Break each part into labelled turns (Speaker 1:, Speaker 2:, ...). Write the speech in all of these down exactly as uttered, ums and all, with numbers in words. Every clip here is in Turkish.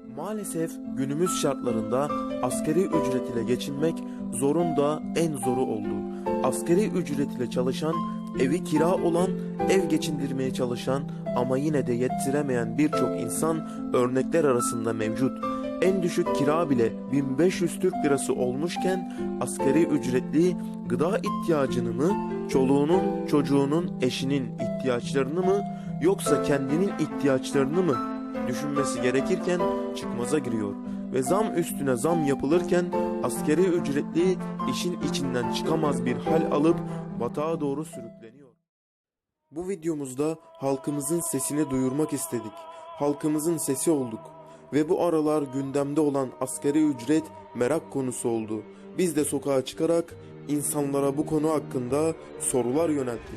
Speaker 1: Maalesef günümüz şartlarında asgari ücret ile geçinmek zorun da en zoru oldu. Asgari ücret ile çalışan, evi kira olan, ev geçindirmeye çalışan ama yine de yettiremeyen birçok insan örnekler arasında mevcut. En düşük kira bile bin beş yüz Türk lirası olmuşken asgari ücretli gıda ihtiyacını mı, çoluğunun, çocuğunun, eşinin ihtiyaçlarını mı yoksa kendinin ihtiyaçlarını mı düşünmesi gerekirken çıkmaza giriyor. Ve zam üstüne zam yapılırken asgari ücretli işin içinden çıkamaz bir hal alıp batağa doğru sürükleniyor. Bu videomuzda halkımızın sesini duyurmak istedik. Halkımızın sesi olduk. Ve bu aralar gündemde olan asgari ücret merak konusu oldu. Biz de sokağa çıkarak insanlara bu konu hakkında sorular yönelttik.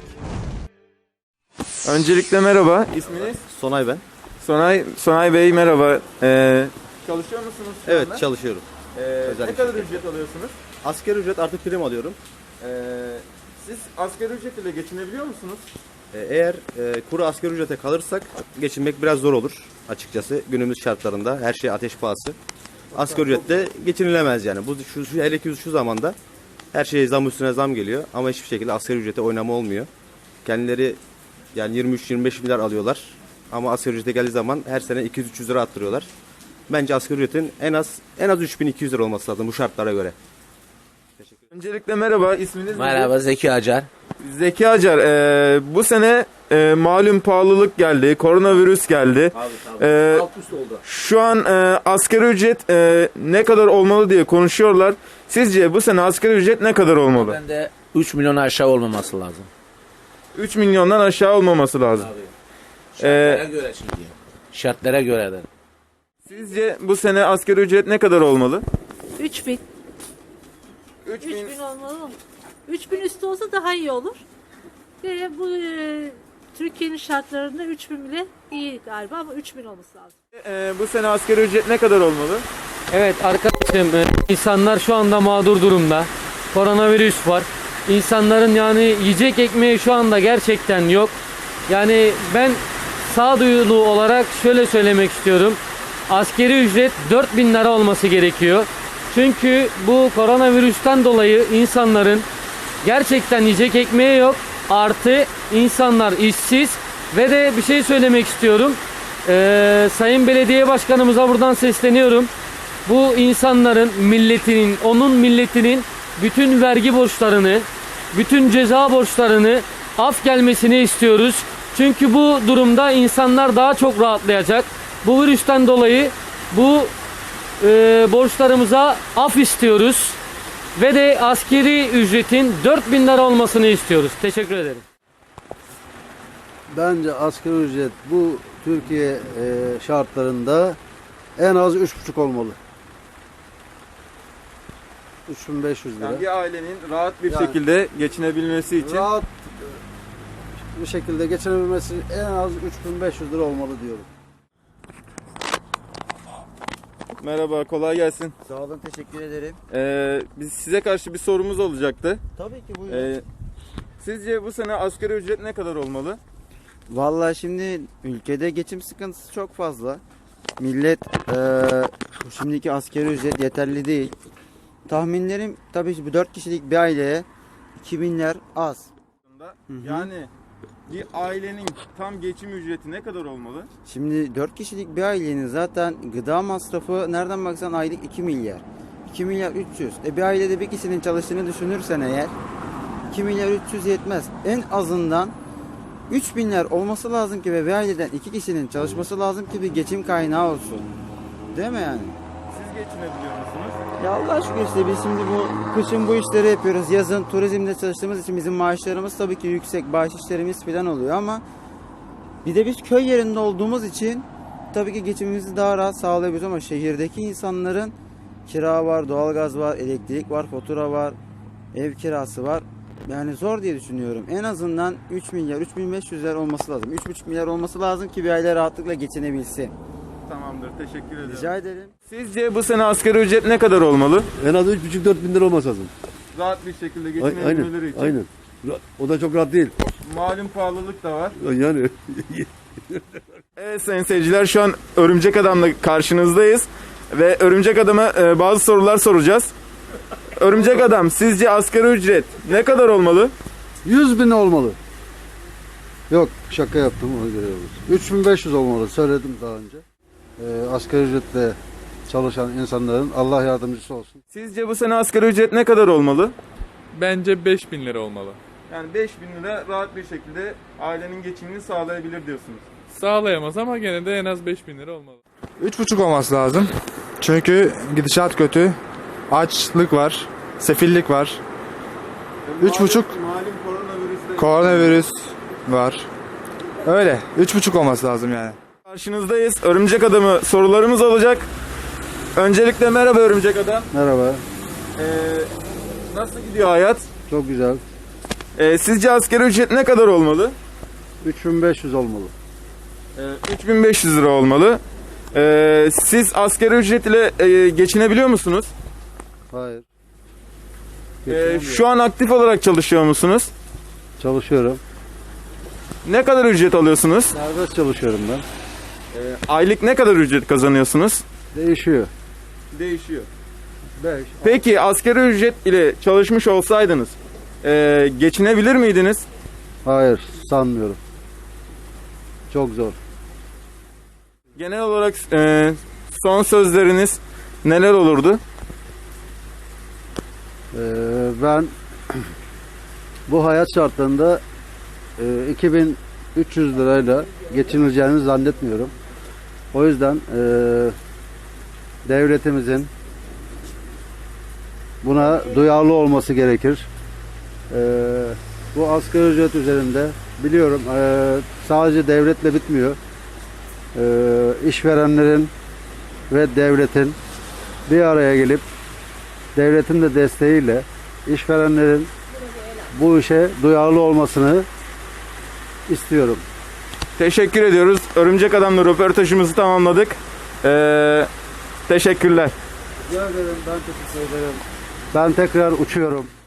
Speaker 1: Öncelikle merhaba. İsminiz?
Speaker 2: Sonay ben.
Speaker 1: Sonay, Sonay Bey merhaba. Ee, çalışıyor musunuz şu
Speaker 2: Evet
Speaker 1: anda?
Speaker 2: çalışıyorum.
Speaker 1: Ee,
Speaker 2: Özel
Speaker 1: ne
Speaker 2: bir
Speaker 1: kadar
Speaker 2: şirket.
Speaker 1: ücret alıyorsunuz?
Speaker 2: Asgari ücret artı prim alıyorum.
Speaker 1: Ee, siz asgari ücret ile geçinebiliyor musunuz?
Speaker 2: Ee, Eğer e, kuru asgari ücrete kalırsak geçinmek biraz zor olur açıkçası. Günümüz şartlarında her şey ateş pahası. Asgari ücretle geçinilemez yani. Bu şu, şu hele ki şu zamanda her şeye zam üstüne zam geliyor ama hiçbir şekilde asgari ücrete oynama olmuyor. Kendileri yani yirmi üç yirmi beş milyar alıyorlar ama asgari ücrete geldiği zaman her sene iki yüz üç yüz lira arttırıyorlar. Bence asgari ücretin en az en az üç bin iki yüz lira olması lazım bu şartlara göre.
Speaker 1: Öncelikle merhaba. İsminiz
Speaker 3: Merhaba,
Speaker 1: nedir?
Speaker 3: Zeki Acar.
Speaker 1: Zeki Acar. Ee, bu sene e, malum pahalılık geldi. Koronavirüs geldi.
Speaker 3: Abi tabii.
Speaker 1: Ee,
Speaker 3: Alt üst oldu.
Speaker 1: Şu an e, asgari ücret e, ne kadar olmalı diye konuşuyorlar. Sizce bu sene asgari ücret ne kadar olmalı?
Speaker 3: Ben de üç milyon aşağı olmaması lazım.
Speaker 1: üç milyondan aşağı olmaması lazım.
Speaker 3: Abi. Şartlara
Speaker 1: Ee,
Speaker 3: göre şimdi. Şartlara göre de.
Speaker 1: Sizce bu sene asgari ücret ne kadar olmalı?
Speaker 4: üç bin.
Speaker 1: üç
Speaker 4: üç bin olmalı mı? üç bin üstü olsa daha iyi olur. Ve bu e, Türkiye'nin şartlarında üç bin bile iyi galiba ama üç bin olması lazım.
Speaker 1: Ee, bu sene asgari ücret ne kadar olmalı?
Speaker 5: Evet arkadaşım, e, insanlar şu anda mağdur durumda. Koronavirüs var. İnsanların yani yiyecek ekmeği şu anda gerçekten yok. Yani ben sağduyulu olarak şöyle söylemek istiyorum. Asgari ücret dört bin lira olması gerekiyor. Çünkü bu koronavirüsten dolayı insanların gerçekten yiyecek ekmeği yok. Artı insanlar işsiz ve de bir şey söylemek istiyorum. Ee, Sayın Belediye Başkanımıza buradan sesleniyorum. Bu insanların milletinin, onun milletinin bütün vergi borçlarını, bütün ceza borçlarını af gelmesini istiyoruz. Çünkü bu durumda insanlar daha çok rahatlayacak. Bu virüsten dolayı bu e, borçlarımıza af istiyoruz. Ve de askeri ücretin dört bin lira olmasını istiyoruz. Teşekkür ederim.
Speaker 6: Bence asgari ücret bu Türkiye e, şartlarında en az üç buçuk olmalı. üç bin beş yüz lira.
Speaker 1: Yani bir ailenin rahat bir
Speaker 6: Yani-
Speaker 1: şekilde geçinebilmesi için
Speaker 6: Rahat bir şekilde geçinebilmesi en az üç bin beş yüz lira olmalı diyorum.
Speaker 1: merhaba, kolay gelsin.
Speaker 7: Sağ olun, teşekkür ederim.
Speaker 1: Ee, biz size karşı bir sorumuz olacaktı.
Speaker 7: Tabii ki buyurun.
Speaker 1: Ee, sizce bu sene asgari ücret ne kadar olmalı?
Speaker 7: Vallahi şimdi ülkede geçim sıkıntısı çok fazla. Millet eee, şimdiki asgari ücret yeterli değil. Tahminlerim tabii ki bu dört kişilik bir aileye iki binler az. hı.
Speaker 1: Yani bir ailenin tam geçim ücreti ne kadar olmalı?
Speaker 7: Şimdi dört kişilik bir ailenin zaten gıda masrafı nereden baksan aylık iki milyar. iki milyar üç yüz. E bir ailede bir kişinin çalıştığını düşünürsen eğer iki milyar üç yüz yetmez. En azından üç binler olması lazım ki ve bir aileden iki kişinin çalışması lazım ki bir geçim kaynağı olsun. Değil mi yani?
Speaker 1: Siz geçinebiliyor musunuz?
Speaker 7: Ya Allah aşkına işte biz şimdi bu kışın bu işleri yapıyoruz. Yazın turizmde çalıştığımız için bizim maaşlarımız tabii ki yüksek. Bahşişlerimiz falan oluyor ama bir de biz köy yerinde olduğumuz için tabii ki geçimimizi daha rahat sağlayabiliyoruz ama şehirdeki insanların kira var, doğalgaz var, elektrik var, fatura var, ev kirası var. Yani zor diye düşünüyorum. En azından üç milyar, üç bin beş yüz lira olması lazım. üç buçuk milyar olması lazım ki bir aile rahatlıkla geçinebilsin.
Speaker 1: Tamamdır, teşekkür ederim.
Speaker 7: Rica ederim.
Speaker 1: Sizce bu sene asgari ücret ne kadar olmalı?
Speaker 6: En az üç buçuk dört bin lira olması lazım.
Speaker 1: Rahat bir şekilde
Speaker 6: A-
Speaker 1: geçinebilmeleri
Speaker 6: Aynen,
Speaker 1: için.
Speaker 6: aynen. Ra- O da çok rahat değil.
Speaker 1: Malum pahalılık da var.
Speaker 6: Yani
Speaker 8: Evet sayın seyirciler, şu an Örümcek Adam'la karşınızdayız ve Örümcek Adam'a e, bazı sorular soracağız. Örümcek Adam, sizce asgari ücret ne kadar olmalı?
Speaker 6: yüz bin olmalı. Yok, şaka yaptım, ona göre olur. üç bin beş yüz olmalı, söyledim daha önce. Ee, asgari ücretle çalışan insanların Allah yardımcısı olsun.
Speaker 8: Sizce bu sene asgari ücret ne kadar olmalı?
Speaker 9: Bence beş bin lira olmalı.
Speaker 8: Yani beş bin lira rahat bir şekilde ailenin geçimini sağlayabilir diyorsunuz.
Speaker 9: Sağlayamaz ama gene de en az beş bin lira olmalı.
Speaker 10: Üç buçuk olması lazım. Çünkü gidişat kötü. Açlık var. Sefillik var. Üç buçuk.
Speaker 8: Malum koronavirüsle
Speaker 10: Koronavirüs var. Öyle. Üç buçuk olması lazım yani.
Speaker 8: karşınızdayız. Örümcek Adam'ı sorularımız olacak. Öncelikle merhaba Örümcek Adam.
Speaker 6: Merhaba,
Speaker 8: Ee, nasıl gidiyor hayat?
Speaker 6: çok güzel.
Speaker 8: Ee, sizce asgari ücret ne kadar olmalı?
Speaker 6: üç bin beş yüz olmalı.
Speaker 8: Ee, üç bin beş yüz lira olmalı. Ee, siz asgari ücret ile e, geçinebiliyor musunuz?
Speaker 6: Hayır.
Speaker 8: Ee,
Speaker 6: Geçinemiyorum.
Speaker 8: şu an aktif olarak çalışıyor musunuz?
Speaker 6: Çalışıyorum.
Speaker 8: Ne kadar ücret alıyorsunuz?
Speaker 6: Serbest çalışıyorum ben.
Speaker 8: Ee, aylık ne kadar ücret kazanıyorsunuz?
Speaker 6: Değişiyor.
Speaker 8: Değişiyor.
Speaker 6: beş.
Speaker 8: Peki asgari ücret ile çalışmış olsaydınız e, geçinebilir miydiniz?
Speaker 6: Hayır, sanmıyorum. Çok zor.
Speaker 8: Genel olarak e, son sözleriniz neler olurdu?
Speaker 6: Ee, ben bu hayat şartlarında e, iki bin üç yüz lirayla geçinileceğini zannetmiyorum. O yüzden e, devletimizin buna duyarlı olması gerekir. E, bu asgari ücret üzerinde biliyorum e, sadece devletle bitmiyor. E, işverenlerin ve devletin bir araya gelip devletin de desteğiyle işverenlerin bu işe duyarlı olmasını istiyorum.
Speaker 8: Teşekkür ediyoruz. Örümcek Adam'la röportajımızı tamamladık. Ee, teşekkürler.
Speaker 6: Rica ederim, ben teşekkür ederim. Ben tekrar uçuyorum.